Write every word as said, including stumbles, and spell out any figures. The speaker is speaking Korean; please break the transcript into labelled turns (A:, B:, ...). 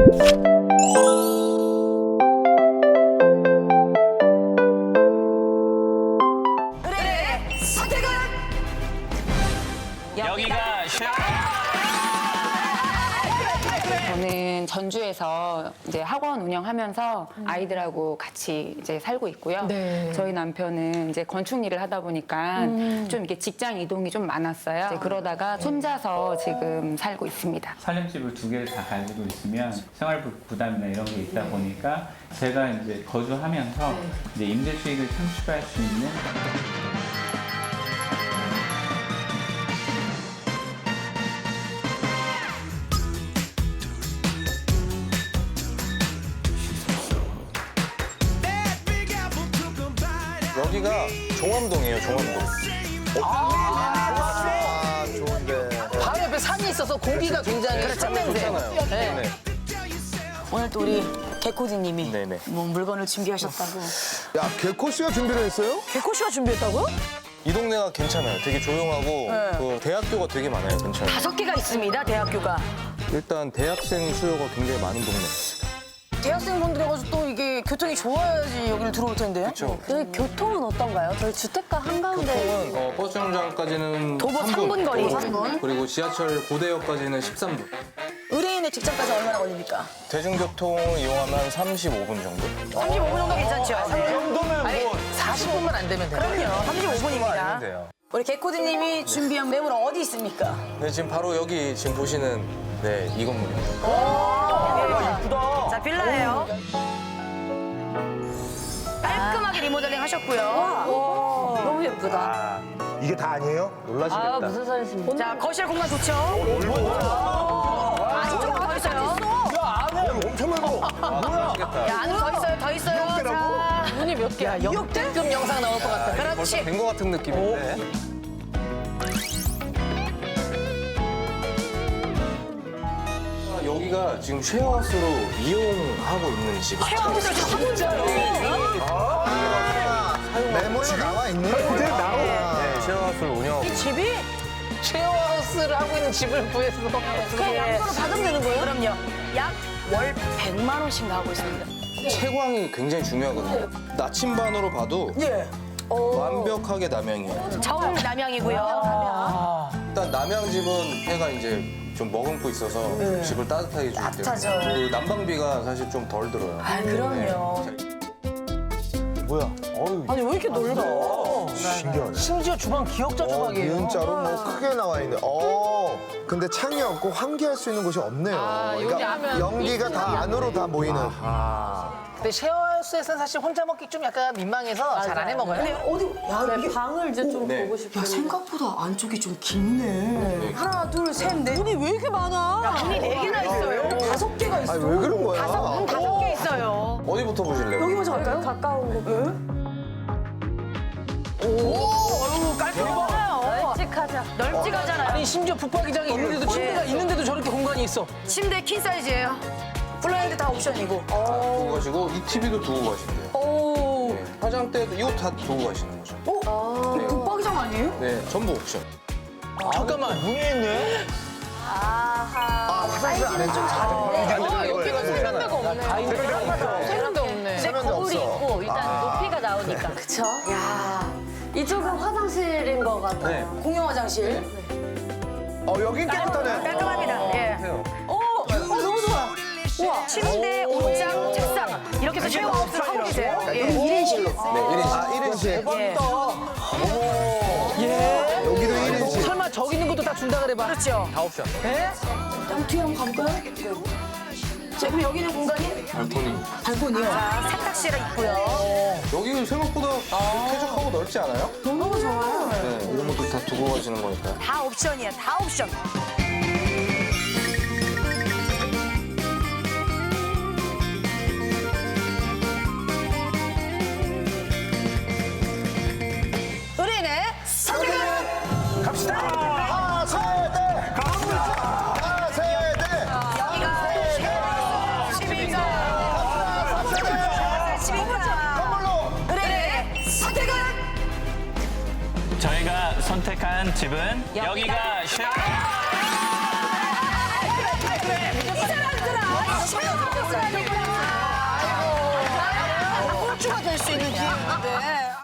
A: 의뢰인의 선택은
B: 여기가 쉐어.
C: 저는 전주에서 이제 학원 운영하면서 아이들하고 같이 이제 살고 있고요.
A: 네.
C: 저희 남편은 이제 건축 일을 하다 보니까 좀 이렇게 직장 이동이 좀 많았어요. 이제 그러다가 손자서 지금 살고 있습니다.
D: 살림집을 두 개를 다 가지고 있으면 생활 부- 부담이나 이런 게 있다 보니까 제가 이제 거주하면서 이제 임대 수익을 창출할 수 있는
E: 여기가 종암동이에요, 종암동.
F: 아, 좋은데.
A: 바로 옆에 산이 있어서 공기가 굉장히 짠냄새.
E: 좋잖아요.
A: 네.
G: 오늘 또 우리 개코디님이
E: 네네.
G: 뭐 물건을 준비하셨다고.
F: 야, 개코 씨가 준비를 했어요?
G: 개코씨가 준비했다고요?
E: 이 동네가 괜찮아요. 되게 조용하고 그 대학교가 되게 많아요, 근처에.
G: 다섯 개가 있습니다, 대학교가.
E: 일단 대학생 수요가 굉장히 많은 동네.
G: 대학생분들이 가지고 또 이게 교통이 좋아야지 여기를 들어올 텐데.
E: 그렇죠.
H: 여기 교통은 어떤가요? 저희 주택가 한가운데
E: 교통은 어, 버스 정류장까지는
G: 도보
E: 삼 분.
G: 삼 분 거리.
E: 도보
G: 삼 분.
E: 그리고 지하철 고대역까지는 십삼 분.
G: 의뢰인의 직장까지 얼마나 걸립니까?
E: 대중교통을 이용하면 한 삼십오 분 정도?
G: 삼십오 분 정도 괜찮죠?
A: 아니, 사십 분만 안 되면 돼요.
G: 그럼요, 삼십오 분입니다.
E: 아니면 돼요.
G: 우리 개코디님이 준비한 매물 어디 있습니까?
E: 네, 지금 바로 여기 지금 보시는 네, 이 건물입니다.
G: 자, 빌라예요. 깔끔하게 리모델링 하셨고요.
H: 너무 예쁘다.
F: 이게 다 아니에요?
E: 놀라시겠다.
H: 무슨 소리십니까?
G: 자, 거실 공간 좋죠? 아직도 더 있어요.
F: 엄청 넓어.
G: 야, 안으로 더 있어요, 더 있어요. 자,
A: 문이 몇 개야? 역대급 영상 나올 것 같아.
E: 벌써
G: 그렇지.
E: 된 것 같은 느낌인데. 아, 여기가 지금 쉐어하우스로 이용하고 있는 집이에요.
G: 쉐어하우스를 지금 하고 있어요.
F: 메모에 나와 있네. 그대 나와.
E: 네, 쉐어하우스를 운영하고 있는
G: 집이
A: 쉐어하우스를 하고 있는 집을 구해서.
G: 그냥 양도로 받으면 되는 거예요? 그럼요. 약 월 백만 원씩 나오고 있습니다.
E: 채광이 굉장히 중요하거든요. 나침반으로 봐도
G: 예.
E: 완벽하게 남향이에요.
G: 정 남양이고요.
E: 일단 남향집은 해가 이제 좀 머금고 있어서 집을 따뜻하게 주기 때문에
G: 따뜻하죠.
E: 그 난방비가 사실 좀 덜 들어요.
G: 아, 그럼요.
F: 뭐야? 어유.
A: 아니, 왜 이렇게 넓어?
F: 신기하네.
A: 심지어 주방 기역자
F: 어,
A: 주방이에요.
F: 니은자로 뭐 크게 나와 있네. 어. 근데 창이 없고 환기할 수 있는 곳이 없네요.
A: 아, 여기 하면
F: 연기가 다 안으로 다 모이는.
A: 근데 쉐어하우스에서는 사실 혼자 먹기 좀 약간 민망해서 잘 안 해 먹어요.
G: 근데 어디, 야,
H: 네,
G: 이게.
H: 방을 이제 좀
E: 네.
H: 보고 싶어요.
G: 야, 생각보다 안쪽이 좀 깊네. 하나, 둘, 셋, 넷. 문이 왜 이렇게 많아? 야, 문이 네 개나 있어요. 다섯 개가 있어.
F: 아니, 왜 그런 거야?
G: 문 다섯 개 있어요.
E: 어디부터 보실래요?
G: 여기 먼저 갈까요?
H: 가까운 곳.
G: 오, 어휴, 깔끔하잖아요.
H: 널찍하자.
G: 널찍하잖아요.
A: 아니, 심지어 붙박이장이 있는데도 침대가 있는데도 저렇게 공간이 있어.
G: 침대 킹 사이즈예요. 블라인드 다 옵션이고.
E: 두고 가시고 이 티비도 두고 가신대요.
G: 오.
E: 네, 화장대도 이거 다 두고 가시는 거죠.
G: 어?
E: 네.
G: 붙박이장 아니에요?
E: 네, 전부 옵션.
A: 잠깐만.
F: 문이 있네.
H: 아하.
F: 화장실 안에 좀 작은
A: 아, 여기가 세면대가 없네. 세면대 없네.
F: 세면대
H: 거울이
F: 없어.
H: 있고 일단 높이가 나오니까. 그쵸? 야. 이쪽은 화장실인 것 같아요.
E: 네.
G: 공용 화장실.
F: 어, 여긴 깨끗하네.
G: 깔끔합니다. 예. 오, 어, 너무 좋아. 우와. 침대, 옷장, 책상. 이렇게 해서 쉐어하우스를 하고 계세요. 예. 일 인실로.
E: 네, 일 인실.
F: 아, 일 인실.
G: 예.
F: 여기도 일 인실.
A: 설마 저기 있는 것도 다 준다 그래 봐.
G: 그렇죠.
E: 다 옵션.
G: 예? 그럼 뒤에 한번 가볼까요? 자, 그럼 여기 있는 공간이?
E: 발코니.
G: 발코니요. 자, 세탁실 있고요.
E: 여기 생각보다 쾌적하고 넓지 않아요?
G: 너무 좋아요.
E: 네, 이런 것도 다 두고 가시는 거니까.
G: 다 옵션이야, 다 옵션. 의뢰인의 선택은
F: 갑시다. 하세대. 갑니다. 하세대.
G: 여기가 집인가? 집인가? 의뢰인의 선택은
B: 저희가 선택한 집은 여기가 쉐어.
G: 이 사람들아, 꼴주가 될 수 있는 기회인데.